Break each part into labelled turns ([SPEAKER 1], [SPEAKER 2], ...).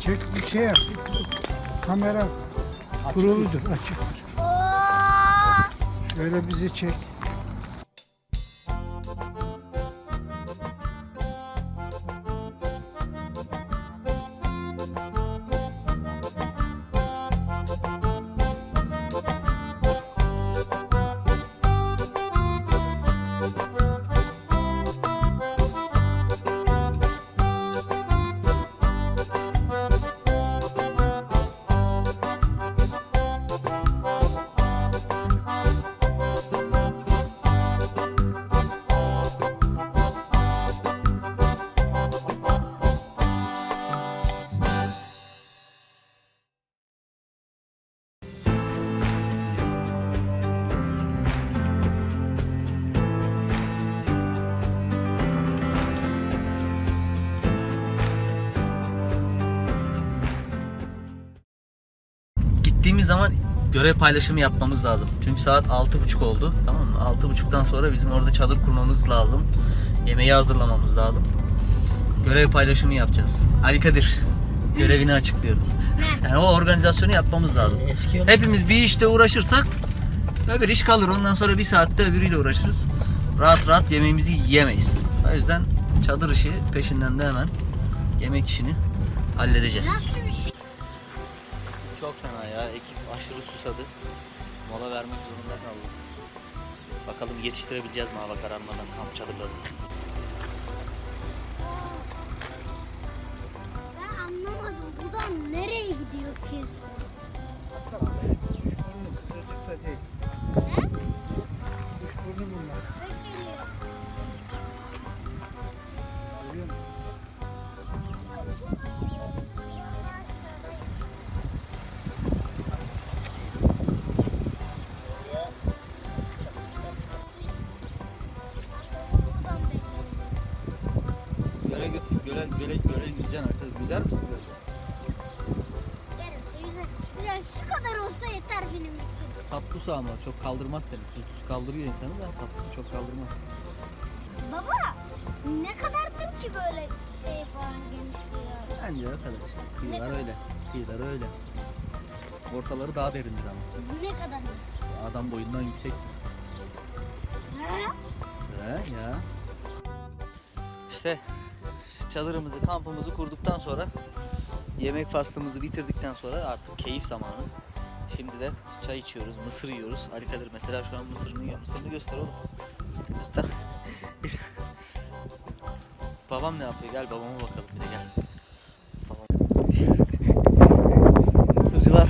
[SPEAKER 1] Çek bir şey yap. Kamera kuruludur, açıktır. Şöyle bizi çek.
[SPEAKER 2] Gittiğimiz zaman görev paylaşımı yapmamız lazım. Çünkü saat 6.30 oldu. Tamam mı? 6.30'dan sonra bizim orada çadır kurmamız lazım. Yemeği hazırlamamız lazım. Görev paylaşımı yapacağız. Ali Kadir görevini açıklıyorum. Yani o organizasyonu yapmamız lazım. Hepimiz bir işte uğraşırsak öbür iş kalır. Ondan sonra bir saatte öbürüyle uğraşırız. Rahat rahat yemeğimizi yiyemeyiz. O yüzden çadır işi peşinden de hemen yemek işini halledeceğiz. Çok fena ya. Ekip aşırı susadı. Mola vermek zorunda kaldı. Bakalım yetiştirebileceğiz mi hava kararmadan kamp çadırlarını.
[SPEAKER 3] Ben anlamadım. Buradan nereye gidiyor kız?
[SPEAKER 1] Kuşburnu kısacıkta değil.
[SPEAKER 3] Ne?
[SPEAKER 1] Kuşburnu bunlar.
[SPEAKER 3] Ben geliyor.
[SPEAKER 1] Görüyor musun?
[SPEAKER 2] Göle götür, göle yüzeceksin artık. Yüzer misin böyle?
[SPEAKER 3] Yarısı yüzeriz. Ya şu kadar olsa yeter benim için.
[SPEAKER 2] Tatlı su ama çok kaldırmaz seni. Su kaldırıyor insanı da tatlı su çok kaldırmaz.
[SPEAKER 3] Baba ne kadardır ki böyle şey falan genişliği ya?
[SPEAKER 2] Bence o kadar işte. Kıyılar öyle. Kıyılar öyle. Ortaları daha derindir ama.
[SPEAKER 3] Ne kadar?
[SPEAKER 2] Adam boyundan yüksek.
[SPEAKER 3] He?
[SPEAKER 2] Ya. İşte çadırımızı, kampımızı kurduktan sonra yemek faslımızı bitirdikten sonra artık keyif zamanı. Şimdi de çay içiyoruz, mısır yiyoruz. Ali Kadir mesela şu an mısırını yiyor. Mısırını göster oğlum. Göster. Babam ne yapıyor? Gel babama bakalım bir de gel. Babam. Mısırcılar.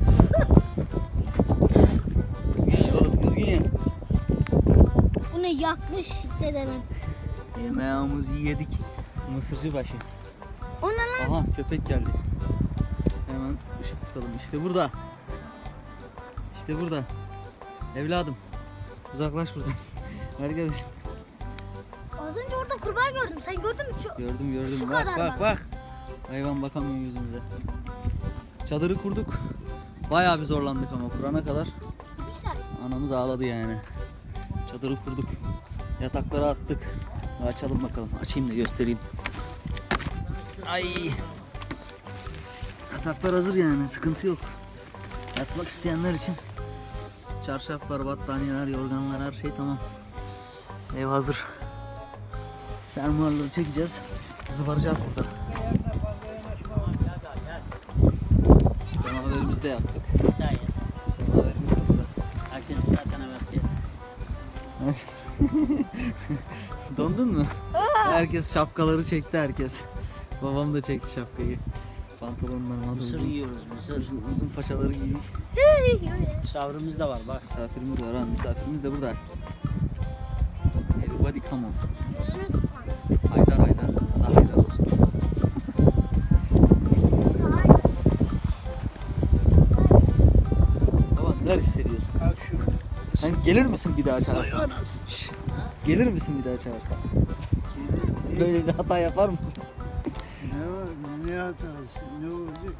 [SPEAKER 2] Düzgün oğlum, düzgün ye.
[SPEAKER 3] Bu ne yakmış dedemin.
[SPEAKER 2] Yemeğimizi yedik. Mısırcı başı.
[SPEAKER 3] O ne lan?
[SPEAKER 2] Aha köpek geldi. Hemen ışık tutalım. İşte burada. İşte burada. Evladım. Uzaklaş buradan. Arkadaş.
[SPEAKER 3] Az önce orada kurbağa gördüm. Sen gördün mü?
[SPEAKER 2] Gördüm.
[SPEAKER 3] Şu
[SPEAKER 2] Bak
[SPEAKER 3] kadar
[SPEAKER 2] bak. Hayvan bakamıyor yüzümüze. Çadırı kurduk. Bayağı bir zorlandık ama kurana kadar.
[SPEAKER 3] Bir saniye.
[SPEAKER 2] Anamız ağladı yani. Çadırı kurduk. Yatakları attık. Açalım bakalım. Açayım da göstereyim. Ay. Yataklar hazır yani. Sıkıntı yok. Yatmak isteyenler için çarşaflar, battaniyeler, yorganlar her şey tamam. Ev hazır. Fermuarları çekeceğiz. Zıbaracağız burada. Semaverimizi de yaptık. Semaverimiz de burada.
[SPEAKER 4] Herkes zaten hevesli.
[SPEAKER 2] Dondun mu? Herkes şapkaları çekti herkes. Babam da çekti şapkayı. Pantolonlar,
[SPEAKER 4] Mısır yiyoruz, mısır.
[SPEAKER 2] uzun paçaları giydik.
[SPEAKER 4] Misafirimiz de var bak.
[SPEAKER 2] Misafirimiz var ha, misafirimiz de burada. Everybody come on. Haydar. Allah Haydar olsun. Baba neler hissediyorsun?
[SPEAKER 1] Al şunu.
[SPEAKER 2] Sen gelir misin bir daha çağırsan? Gelir misin bir daha çağırsan? Böyle bir hata yapar mısın?
[SPEAKER 1] Ne var? Ne hatası? Ne olacak?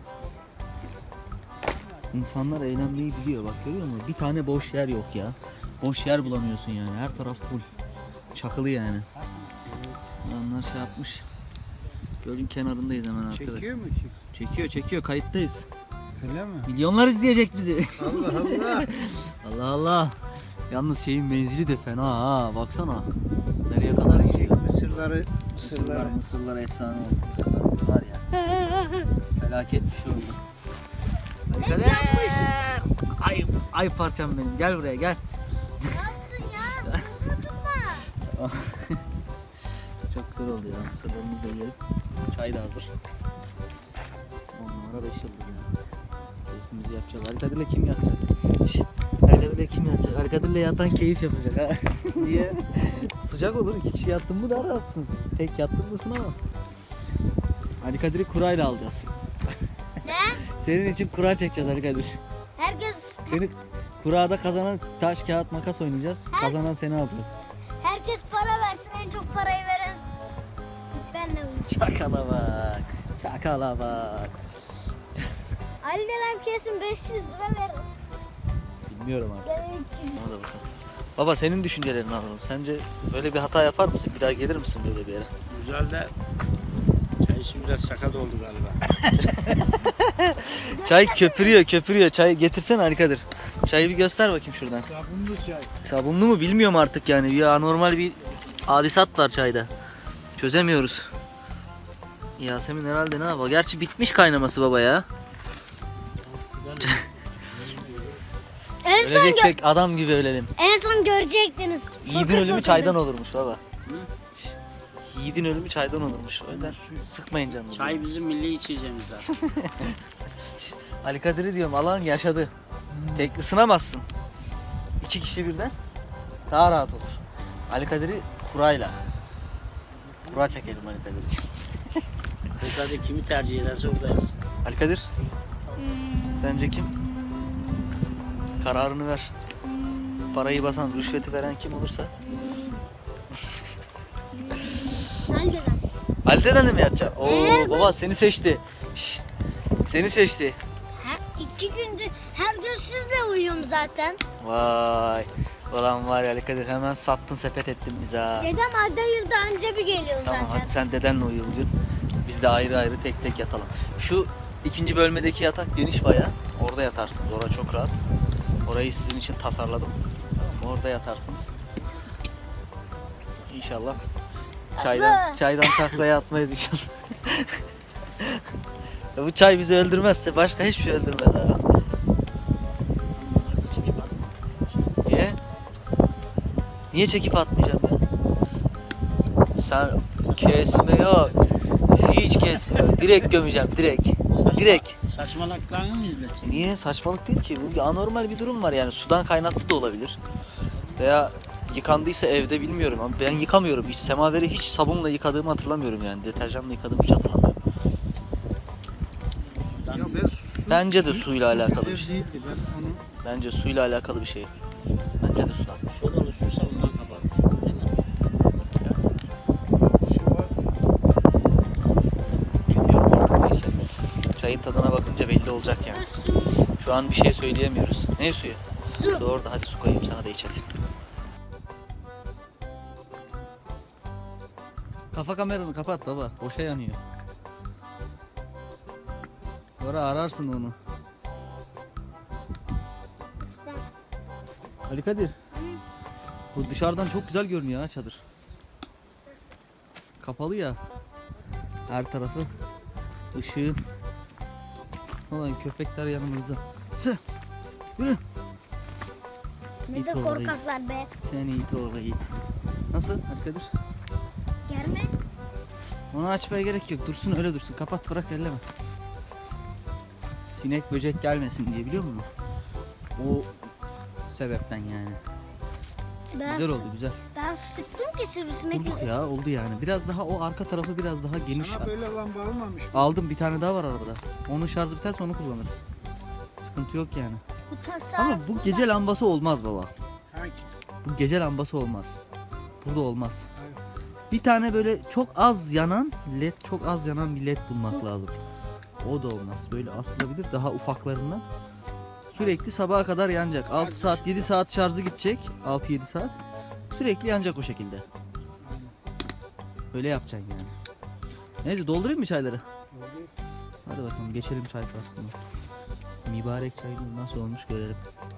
[SPEAKER 2] İnsanlar eğlenmeyi biliyor bak, görüyor musun? Bir tane boş yer yok ya. Boş yer bulamıyorsun yani. Her taraf full. Çakılı yani. Adamlar şey yapmış. Gölün kenarındayız hemen arkada.
[SPEAKER 1] Çekiyor mu?
[SPEAKER 2] Çekiyor kayıttayız.
[SPEAKER 1] Öyle mi?
[SPEAKER 2] Milyonlar izleyecek bizi.
[SPEAKER 1] Allah Allah.
[SPEAKER 2] Allah Allah. Yalnız şeyin menzili de fena ha. Baksana. Nereye kadar gidiyor? Mısırlar efsane oldu. Mısırlar var ya. Felaket bir şey oldu. Ay parçam benim. Gel buraya gel.
[SPEAKER 3] Ne yaptın ya? Dokunma.
[SPEAKER 2] Çok güzel oldu ya. Mısırlarımızı da yiyelim. Çay da hazır. 10 numara 5 yıldız ya. Keyfimizi yapacağız. Arkadir'le kim yatacak? Arkadir'le kim yatacak? Arkadir'le yatan keyif yapacak ha. Niye? Sıcak olur. 2 kişi yattın mı da rahatsın. Tek yattın mı ısınamazsın. Ali Kadir'i kurayla alacağız.
[SPEAKER 3] Ne?
[SPEAKER 2] Senin için kura çekeceğiz Ali Kadir.
[SPEAKER 3] Herkes
[SPEAKER 2] Seni kurada kazanan taş kağıt makas oynayacağız. Kazanan seni alacak.
[SPEAKER 3] herkes para versin. En çok parayı veren benle olacak.
[SPEAKER 2] Çakala bak. Çakala bak.
[SPEAKER 3] Ali denen kesin 500 lira verir.
[SPEAKER 2] Bilmiyorum abi.
[SPEAKER 3] Yani 300.
[SPEAKER 2] Ona da bakalım. Baba senin düşüncelerini alalım. Sence böyle bir hata yapar mısın? Bir daha gelir misin böyle bir yere?
[SPEAKER 4] Güzel de çay için biraz sakat oldu galiba.
[SPEAKER 2] Çay köpürüyor. Çay getirsene Ali Kadir. Çayı bir göster bakayım şuradan.
[SPEAKER 1] Sabunlu çay.
[SPEAKER 2] Sabunlu mu bilmiyorum artık yani. Bir anormal bir hadisat var çayda. Çözemiyoruz. Yasemin herhalde ne yapar? Gerçi bitmiş kaynaması baba ya.
[SPEAKER 3] En son,
[SPEAKER 2] Öleceksek adam gibi ölelim.
[SPEAKER 3] en son görecektiniz.
[SPEAKER 2] Yiğidin
[SPEAKER 3] Fokur
[SPEAKER 2] ölümü
[SPEAKER 3] fokur.
[SPEAKER 2] çaydan olurmuş baba. Yiğidin ölümü çaydan olurmuş. O yüzden sıkmayın canınızı.
[SPEAKER 4] Çay bizim milli içeceğimiz zaten.
[SPEAKER 2] Ali Kadir'i diyorum alan yaşadı. Tek ısınamazsın. 2 kişi birden daha rahat olur. Ali Kadir'i kurayla. Kura çekelim Ali Kadir için.
[SPEAKER 4] Burada kimi tercih ederse oradayız.
[SPEAKER 2] Ali Kadir
[SPEAKER 3] Hmm,
[SPEAKER 2] sence kim? Kararını ver. Parayı basan, rüşveti veren kim olursa.
[SPEAKER 3] Ali denen.
[SPEAKER 2] Ali deden de mi yatacaksın? Oo
[SPEAKER 3] Evet.
[SPEAKER 2] baba seni seçti. Şş, seni seçti.
[SPEAKER 3] Ha, 2 gündür her gün sizle uyuyorum zaten.
[SPEAKER 2] Vay. Ulan var ya Ali Kadir hemen sattın sepet ettin bize ha.
[SPEAKER 3] Dedem ayda yılda anca bir geliyor
[SPEAKER 2] Tamam
[SPEAKER 3] zaten.
[SPEAKER 2] hadi sen dedenle uyu bugün. Biz de ayrı ayrı tek tek yatalım. Şu ikinci bölmedeki yatak geniş bayağı. Orada yatarsınız. Orası çok rahat. Orayı sizin için tasarladım. Tamam, orada yatarsınız. İnşallah.
[SPEAKER 3] Abla.
[SPEAKER 2] Çaydan taklaya atmayız inşallah. Ya bu çay bizi öldürmezse başka hiçbir şey öldürmez ha. Niye? Niye çekip atmayacağım ya? Sen kesme yok. Hiç kesme yok. Direkt gömeceğim direkt. Direkt.
[SPEAKER 4] Saçmalaklarını mı izletecek?
[SPEAKER 2] Niye? Saçmalık değil ki. Bu anormal bir durum var yani. Sudan kaynaklı da olabilir. Veya yıkandıysa evde bilmiyorum ama ben yıkamıyorum. Hiç semaveri hiç sabunla yıkadığımı hatırlamıyorum yani. Deterjanla yıkadığımı hiç hatırlamıyorum.
[SPEAKER 4] Sudan
[SPEAKER 1] Ya ben su,
[SPEAKER 2] Bence de suyla alakalı bir
[SPEAKER 1] güzel
[SPEAKER 2] şey.
[SPEAKER 1] değildi. Ben onu
[SPEAKER 2] Bence suyla alakalı bir şey. Bence de sudan.
[SPEAKER 4] sodalı su bundan kapat. Değil mi?
[SPEAKER 1] şey var.
[SPEAKER 2] Bilmiyorum artık neyse. Çayın tadına bakınca belli olacak yani.
[SPEAKER 3] Su.
[SPEAKER 2] Şu an bir şey söyleyemiyoruz. Ne suyu?
[SPEAKER 3] Su.
[SPEAKER 2] Doğru da hadi su koyayım sana da iç hadi. Kafa kameranı kapat baba. Boşa yanıyor. Sonra ararsın onu. Ali Kadir. Bu dışarıdan çok güzel görünüyor ha çadır. Kapalı ya. Her tarafı ışığı. Ulan köpekler yanımızda. Sı. Yürü.
[SPEAKER 3] Ne de
[SPEAKER 2] İt
[SPEAKER 3] korkaklar be.
[SPEAKER 2] Sen iyi oğlu iyi. Nasıl Ali Kadir?
[SPEAKER 3] Gelme.
[SPEAKER 2] Onu açmaya gerek yok. Dursun öyle dursun. Kapat bırak elleme. Sinek böcek gelmesin diye biliyor musun? O sebepten yani. Güzel oldu güzel.
[SPEAKER 3] Ben sıktım ki sivrisinek.
[SPEAKER 2] Bulduk ya oldu yani. Biraz daha o arka tarafı biraz daha geniş.
[SPEAKER 1] Sana böyle lamba almamış mı?
[SPEAKER 2] Aldım bir tane daha var arabada. Onun şarjı biterse onu kullanırız. Sıkıntı yok yani.
[SPEAKER 3] Bu tasarruf.
[SPEAKER 2] Ama bu gece lambası olmaz baba.
[SPEAKER 1] Hangi?
[SPEAKER 2] Bu gece lambası olmaz. Burada olmaz.
[SPEAKER 1] Hayır.
[SPEAKER 2] Bir tane böyle çok az yanan led, çok az yanan bir led bulmak lazım. O da olmaz. Böyle asılabilir daha ufaklarından. Sürekli sabaha kadar yanacak. 6 saat 7 saat şarjı gidecek. 6-7 saat. Sürekli yanacak o şekilde. Böyle yapacaksın yani. Neyse doldurayım mı çayları? Hadi bakalım geçelim çay faslına. Mübarek çayımız nasıl olmuş görelim.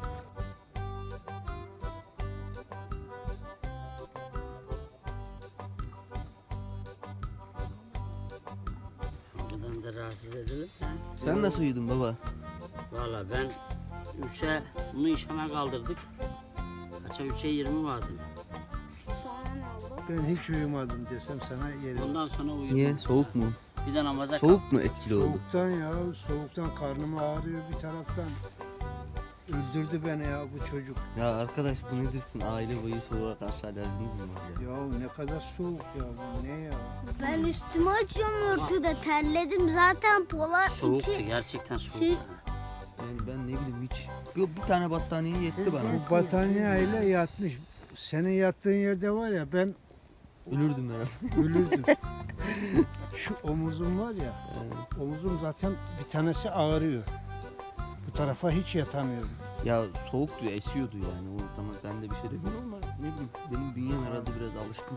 [SPEAKER 4] Buradan da rahatsız edilir.
[SPEAKER 2] Sen nasıl uyudun baba?
[SPEAKER 4] Valla ben 3'e bunu işeme kaldırdık. Kaça 3'e 20 vardı.
[SPEAKER 3] Sonra ne oldu?
[SPEAKER 1] Ben hiç uyumadım desem sana yerim.
[SPEAKER 4] Ondan sonra uyudum.
[SPEAKER 2] Niye? Soğuk mu?
[SPEAKER 4] Bir de namaza
[SPEAKER 2] Soğuk mu etkili oldu?
[SPEAKER 1] Soğuktan ya, soğuktan karnım ağrıyor bir taraftan. Öldürdü beni ya bu çocuk.
[SPEAKER 2] Ya arkadaş bu ne dersin? Aile boyu soğuğa karşı alerjiniz mi var ya?
[SPEAKER 1] Ya ne kadar soğuk ya bu ne ya?
[SPEAKER 3] Ben üstümü açıyorum örtüde terledim zaten polar
[SPEAKER 4] Soğuktu
[SPEAKER 3] içi.
[SPEAKER 4] gerçekten soğuk.
[SPEAKER 3] Şey-
[SPEAKER 2] Yani ben ne bileyim hiç. Bir tane battaniye yetti bana.
[SPEAKER 1] Bu battaniyeyle yatmış. Senin yattığın yerde var ya ben
[SPEAKER 2] Ölürdüm herhalde.
[SPEAKER 1] ölürdüm. Şu omuzum var ya, omuzum zaten bir tanesi ağrıyor. Bu tarafa hiç yatamıyorum.
[SPEAKER 2] Ya soğuktu, esiyordu yani. O zaman ben de bir şey demiyorum ama ne bileyim benim bünyem herhalde biraz alışkın.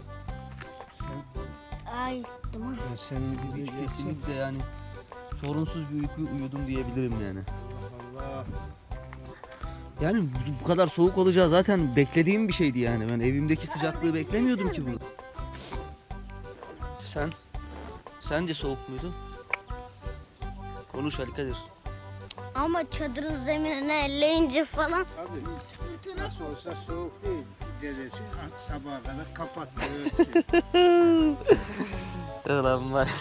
[SPEAKER 1] Sen,
[SPEAKER 3] Ay tamam.
[SPEAKER 1] ben senin gibi
[SPEAKER 2] Hiç
[SPEAKER 1] yatsam-
[SPEAKER 2] kesinlikle yani sorunsuz bir uyku uyudum diyebilirim yani.
[SPEAKER 1] Allah.
[SPEAKER 2] Yani bu kadar soğuk olacağı zaten beklediğim bir şeydi yani. Ben evimdeki sıcaklığı beklemiyordum ki burada. Sence soğuk muydu? Konuş Ali Kadir.
[SPEAKER 3] Ama çadırın zeminine elleyince falan
[SPEAKER 1] Abi nasıl olsa soğuk değil. Dedesi sabaha kadar kapattı.
[SPEAKER 2] Ulan var.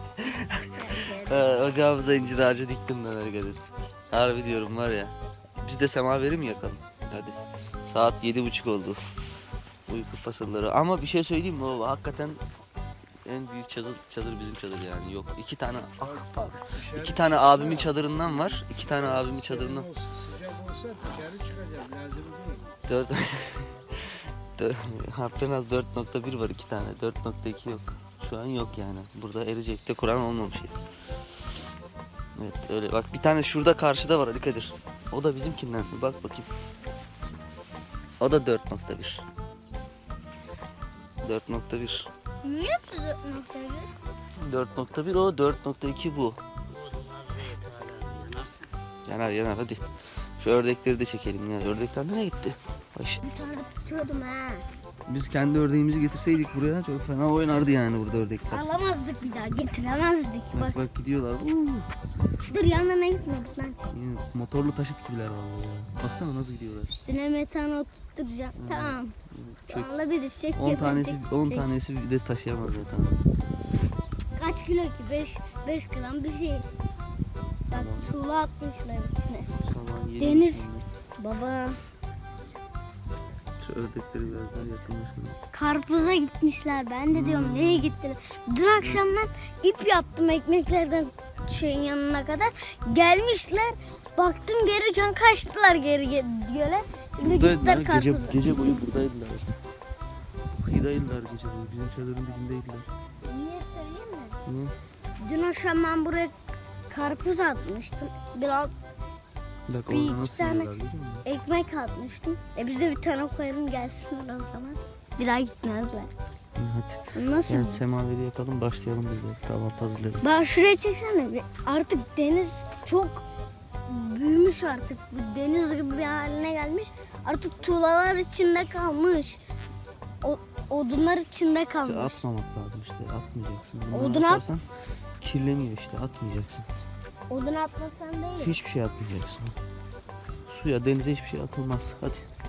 [SPEAKER 2] Ocağımıza incir ağacı diktim ben Ali Kadir. Harbi diyorum var ya. Biz de semaveri mi yakalım? Hadi. Saat 7:30 oldu. Uyku fasılları. Ama bir şey söyleyeyim mi? O hakikaten en büyük çadır bizim çadır yani. Yok. İki tane abimin çadırından var. İki tane abimin çadırından.
[SPEAKER 1] Sıcak olsa dışarı çıkacağım. Lazım değil.
[SPEAKER 2] 4 az 4.1 var iki tane. 4.2 yok. Şu an yok yani. Burada Ericek'te Kur'an olmamış yani. Evet öyle. Bak bir tane şurada karşıda var Ali Kadir. O da bizimkinden. Bir bak bakayım. O da 4.1. 4.1.
[SPEAKER 3] niye size noktayı?
[SPEAKER 2] 4.1 o 4.2 bu. Yanar hadi. Şu ördekleri de çekelim ya. Ördekler nereye gitti? Ayşe.
[SPEAKER 3] Bir tane tutuyordum ha.
[SPEAKER 2] Biz kendi ördeğimizi getirseydik buraya çok fena oynardı yani burada ördekler.
[SPEAKER 3] Alamazdık bir daha getiremezdik. Bak
[SPEAKER 2] Bak gidiyorlar.
[SPEAKER 3] dur yanına gitme buradan çek.
[SPEAKER 2] Yine motorlu taşıt gibiler vallahi ya. Baksana nasıl gidiyorlar.
[SPEAKER 3] Üstüne metan oturtacağım. Tamam.
[SPEAKER 2] Çök.
[SPEAKER 3] Sonra bir de çek
[SPEAKER 2] 10 tanesi
[SPEAKER 3] çek,
[SPEAKER 2] 10
[SPEAKER 3] çek.
[SPEAKER 2] tanesi bir de taşıyamaz zaten.
[SPEAKER 3] Kaç kilo ki? 5 gram bir şey. Bak tuğla atmışlar içine.
[SPEAKER 2] Sabah yedi
[SPEAKER 3] Deniz.
[SPEAKER 2] buçuk.
[SPEAKER 3] Baba
[SPEAKER 2] Şu ördekleri biraz daha yakınlaşalım.
[SPEAKER 3] karpuza gitmişler. Ben de diyorum neye gittiler? Dün akşam ben ip yaptım ekmeklerden şeyin yanına kadar. Gelmişler. Baktım gelirken kaçtılar geri göle. Şimdi
[SPEAKER 2] Buradaydılar.
[SPEAKER 3] gittiler karpuza.
[SPEAKER 2] Gece boyu buradaydılar. Kıyıdaydılar gece boyu. Bizim çadırın dibindeydiler.
[SPEAKER 3] Niye söyleyeyim mi?
[SPEAKER 2] Niye?
[SPEAKER 3] Dün akşam ben buraya karpuz atmıştım. Biraz
[SPEAKER 2] Bak
[SPEAKER 3] Bir
[SPEAKER 2] orada
[SPEAKER 3] iki
[SPEAKER 2] nasıl
[SPEAKER 3] tane-
[SPEAKER 2] yiyorlar görüyor musun?
[SPEAKER 3] ekmek atmıştım. Bize bir tane koyalım gelsinler o zaman. Bir daha gitmezler.
[SPEAKER 2] Hadi.
[SPEAKER 3] Nasıl?
[SPEAKER 2] Yani semaveri yakalım başlayalım biz de. Kahvaltı hazırlayalım.
[SPEAKER 3] Bak şuraya çeksene. Artık deniz çok büyümüş artık. Bu deniz gibi bir haline gelmiş. Artık tuğlalar içinde kalmış. Odunlar içinde
[SPEAKER 2] İşte
[SPEAKER 3] kalmış.
[SPEAKER 2] atmamak lazım işte. Atmayacaksın. Bunu
[SPEAKER 3] Odun at.
[SPEAKER 2] atarsan kirleniyor işte. Atmayacaksın.
[SPEAKER 3] Odun atmasan değil.
[SPEAKER 2] Hiçbir şey atmayacaksın. Suya, denize hiçbir şey atılmaz. Hadi.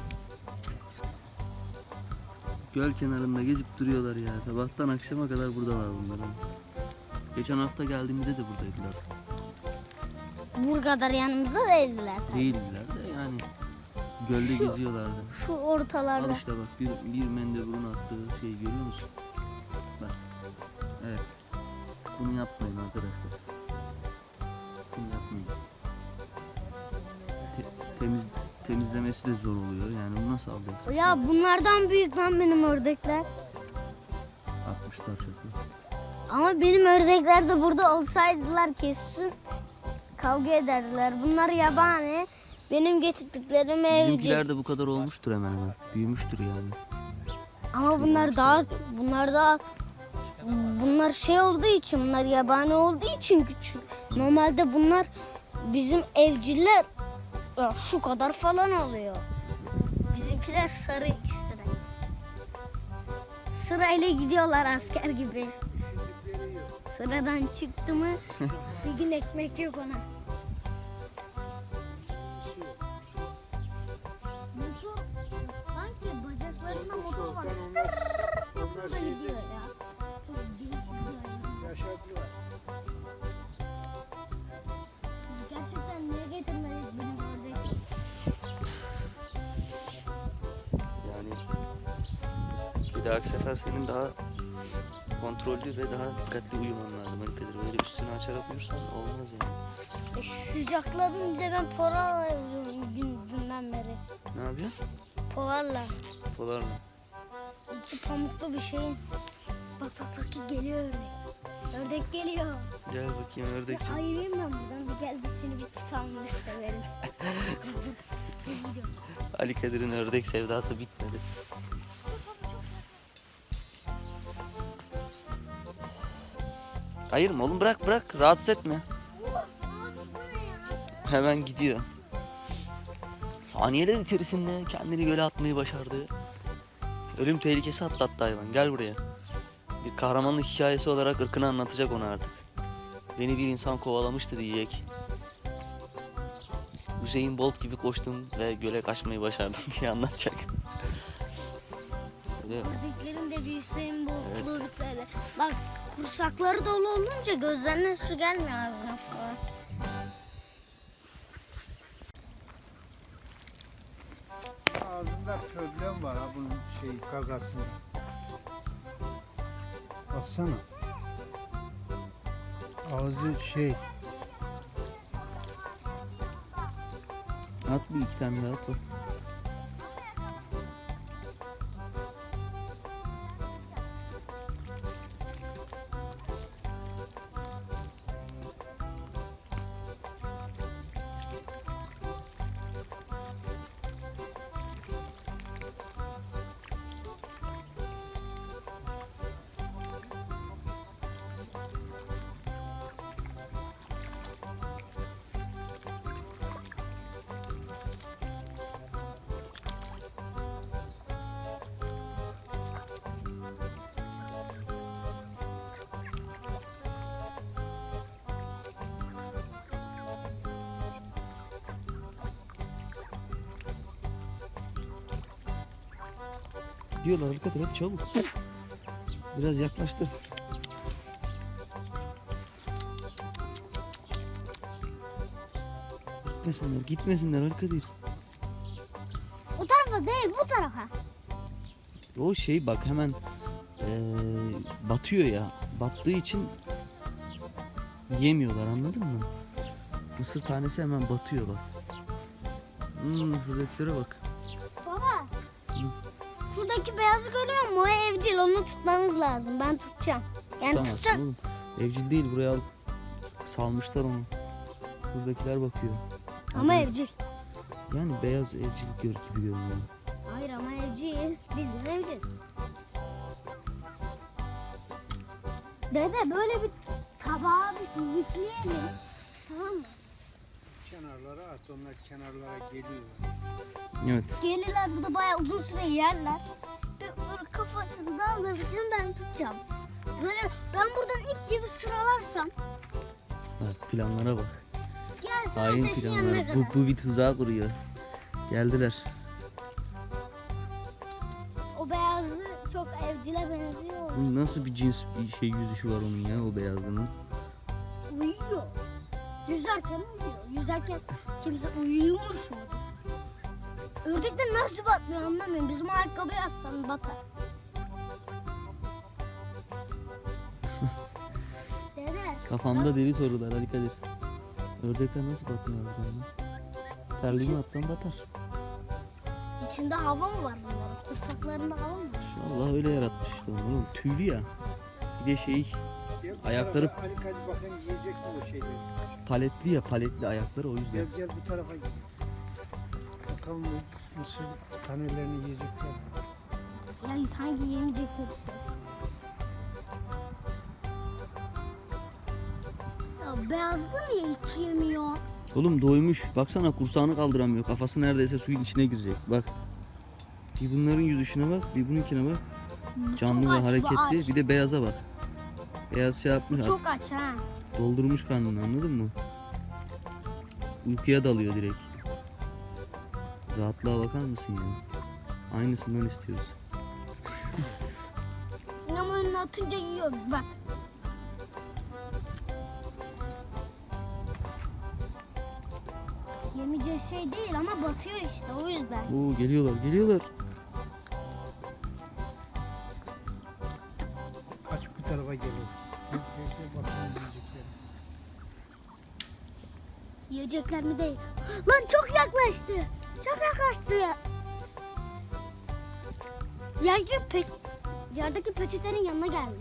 [SPEAKER 2] Göl kenarında gezip duruyorlar ya. Sabahtan akşama kadar buradalar bunlar. Geçen hafta geldiğimizde de buradaydılar.
[SPEAKER 3] Bu kadar yanımızda değildiler. tabii.
[SPEAKER 2] Değildiler de yani gölde geziyorlardı.
[SPEAKER 3] Şu
[SPEAKER 2] Al
[SPEAKER 3] ortalarda.
[SPEAKER 2] işte bak bir mendeburun attığı şeyi görüyor musun? Bak. Evet. Bunu yapmayın arkadaşlar. Bunu yapmayın. Temizlemesi de zor oluyor. Yani bunu nasıl alacaksın?
[SPEAKER 3] Ya bunlardan büyük lan benim ördekler.
[SPEAKER 2] Atmışlar çöpü.
[SPEAKER 3] Ama benim ördekler de burada olsaydılar kesin kavga ederdiler. Bunlar yabani. Benim getirdiklerim evcil.
[SPEAKER 2] Bizimkiler de bu kadar olmuştur hemen hemen. Büyümüştür yani.
[SPEAKER 3] Ama bunlar daha bunlar şey olduğu için, bunlar yabani olduğu için küçük. Normalde bunlar bizim evciller ya şu kadar falan oluyor. Bizimkiler sarı ikisi de. Sırayla gidiyorlar asker gibi. Sıradan çıktı mı bir gün ekmek yok ona. Motor, sanki bacaklarında motor var.
[SPEAKER 1] Onlar
[SPEAKER 3] Da gidiyor ya. Çok değişik yani.
[SPEAKER 1] yaşadılar.
[SPEAKER 3] Biz gerçekten niye getirmedik benim ördek?
[SPEAKER 2] Yani bir dahaki sefer senin daha kontrollü ve daha dikkatli uyuman lazım Ali Kadir. Böyle üstünü açarak uyursan olmaz yani.
[SPEAKER 3] Sıcakladım bir de ben polarla uyuyorum dünden beri.
[SPEAKER 2] Ne yapıyorsun?
[SPEAKER 3] Polarla.
[SPEAKER 2] Polarla.
[SPEAKER 3] İçi pamuklu bir şeyin. Bak bak bak geliyor ördek. Ördek geliyor.
[SPEAKER 2] Gel bakayım
[SPEAKER 3] Ya
[SPEAKER 2] ördekçim.
[SPEAKER 3] ayırayım ben buradan bir gel biz seni bir tutalım biz severim. Gidiyorum.
[SPEAKER 2] Ali Kadir'in ördek sevdası bitmedi. Hayır mı oğlum, bırak bırak, rahatsız etme. Hemen gidiyor. Saniyeler içerisinde kendini göle atmayı başardı. Ölüm tehlikesi atlattı hayvan. Gel buraya. Bir kahramanlık hikayesi olarak ırkını anlatacak ona artık. Beni bir insan kovalamıştı diyecek. Hüseyin Bolt gibi koştum ve göle kaçmayı başardım diye anlatacak. Öyle.
[SPEAKER 3] Ördeklerin de bir Hüseyin
[SPEAKER 2] Evet.
[SPEAKER 3] böyle. Bak kursakları dolu olunca gözlerine su gelmiyor ağzına falan.
[SPEAKER 1] Ağzında problem var ha bunun gagasında. Baksana. Ağzı
[SPEAKER 2] At bir iki tane daha at bak. Diyorlar Ali Kadir, hadi çabuk. Biraz yaklaştır. Gitmesinler Ali Kadir.
[SPEAKER 3] O tarafa değil bu tarafa.
[SPEAKER 2] O bak hemen batıyor ya. Battığı için yemiyorlar, anladın mı? Mısır tanesi hemen batıyor bak. Şuradakilara bak.
[SPEAKER 3] Baba. Şuradaki beyazı görüyor musun? O evcil, onu tutmamız lazım. Ben tutacağım. Yani
[SPEAKER 2] Tamam
[SPEAKER 3] tutacağım.
[SPEAKER 2] oğlum. Evcil değil, buraya alıp salmışlar onu. Buradakiler bakıyor.
[SPEAKER 3] Ama
[SPEAKER 2] Hadi.
[SPEAKER 3] evcil.
[SPEAKER 2] Yani beyaz evcil gibi görünüyor.
[SPEAKER 3] Hayır ama evcil. Bildiğin evcil. Dede böyle bir tabağa bir yükleyelim. Tamam mı?
[SPEAKER 1] kenarlara at. Onlar kenarlara geliyor.
[SPEAKER 2] Evet.
[SPEAKER 3] Gelirler burada bayağı uzun süre yerler. Böyle kafasını daldırırken ben tutacağım. Böyle ben buradan ip gibi sıralarsam
[SPEAKER 2] Bak planlara bak.
[SPEAKER 3] gelsin
[SPEAKER 2] Hain
[SPEAKER 3] ateşin yanına
[SPEAKER 2] planlar.
[SPEAKER 3] kadar.
[SPEAKER 2] Bu bir tuzağa kuruyor. Geldiler.
[SPEAKER 3] O beyazlı çok evcile benziyor.
[SPEAKER 2] Bu nasıl bir cins bir yüzüşü var onun ya, o beyazlığının.
[SPEAKER 3] Uyuyor. Yüzerken uyuyor. Yüzerken kimse uyuyormuş mudur? Ördekler nasıl batmıyor anlamıyorum. Bizim ayakkabı yazsan batar. Dede.
[SPEAKER 2] Kafamda deli sorular Ali Kadir. Ördekler nasıl batmıyor oradan? Terliğimi atsan batar.
[SPEAKER 3] İçinde hava mı var bunların? Kursaklarında hava mı var?
[SPEAKER 2] Allah öyle yaratmış işte onu oğlum. Tüylü ya. Bir de
[SPEAKER 1] Gel bu
[SPEAKER 2] Ayakları-
[SPEAKER 1] tarafa, Ali Kadir bakın yiyecek mi o şeyleri?
[SPEAKER 2] paletli ya, paletli ayakları, o yüzden.
[SPEAKER 1] Gel bu tarafa gel. Bakalım bu mısır tanelerini yiyecekler.
[SPEAKER 3] Yani sanki yemeyecekler işte. Beyazlı niye hiç yemiyor?
[SPEAKER 2] Oğlum doymuş. Baksana kursağını kaldıramıyor. Kafası neredeyse suyun içine girecek. Bak. Bir bunların yüzüşüne bak, bir bununkine bak. Canlı
[SPEAKER 3] Çok
[SPEAKER 2] ve
[SPEAKER 3] aç, bu
[SPEAKER 2] hareketli.
[SPEAKER 3] aç.
[SPEAKER 2] Bir de beyaza bak. Beyaz şey yapmış.
[SPEAKER 3] Çok aç ha.
[SPEAKER 2] Doldurmuş karnını, anladın mı? Uykuya dalıyor direkt. Rahatlığa bakar mısın ya? Aynısından istiyoruz.
[SPEAKER 3] Ama önüne atınca yiyor bak. Yemeyeceği şey değil ama batıyor işte o yüzden.
[SPEAKER 2] Oo, geliyorlar.
[SPEAKER 1] Kaç bir tarafa geliyor. Bakalım yiyecekler.
[SPEAKER 3] Yiyecekler mi değil? Lan çok yaklaştı. Çok yaklaştı. Yerdeki peçetenin yanına geldi.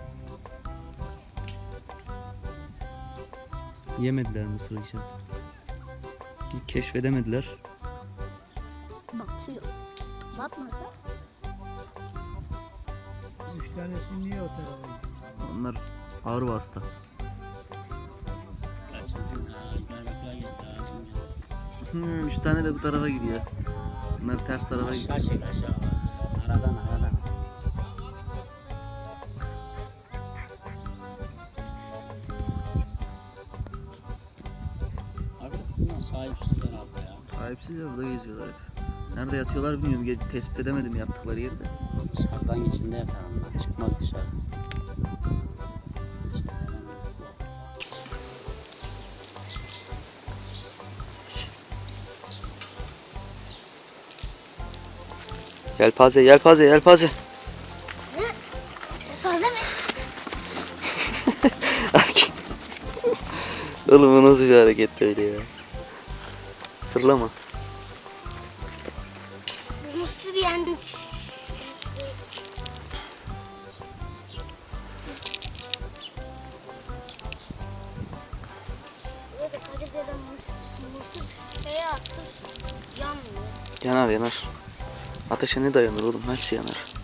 [SPEAKER 2] Yemediler mısır için. Keşfedemediler.
[SPEAKER 3] Batıyor. Batmasa?
[SPEAKER 1] 3 tanesi niye o tarafa gidiyor?
[SPEAKER 2] Onlar ağır vasıta.
[SPEAKER 4] Kaçırdın ha. Bayraklar gitti ağacın.
[SPEAKER 2] 3 tane de bu tarafa gidiyor. Bunlar ters tarafa gidiyor.
[SPEAKER 4] Aşağı çek aşağı. Aradan. Abi bunlar sahipsiz herhalde ya.
[SPEAKER 2] Sahipsiz ya, burada geziyorlar hep. Nerede yatıyorlar bilmiyorum. Tespit edemedim yattıkları yeri de.
[SPEAKER 4] Sazdan içinde yatar onlar. Çıkmaz dışarı.
[SPEAKER 2] Yelpaze.
[SPEAKER 3] Taze mi?
[SPEAKER 2] Oğlum bu nasıl bir hareket öyle ya? Fırlama.
[SPEAKER 3] Mısır yendi. Evet, hadi dedem mısır şeye attı, yanmıyor.
[SPEAKER 2] Yanar. Ateşe ne dayanır oğlum? Hepsi yanar.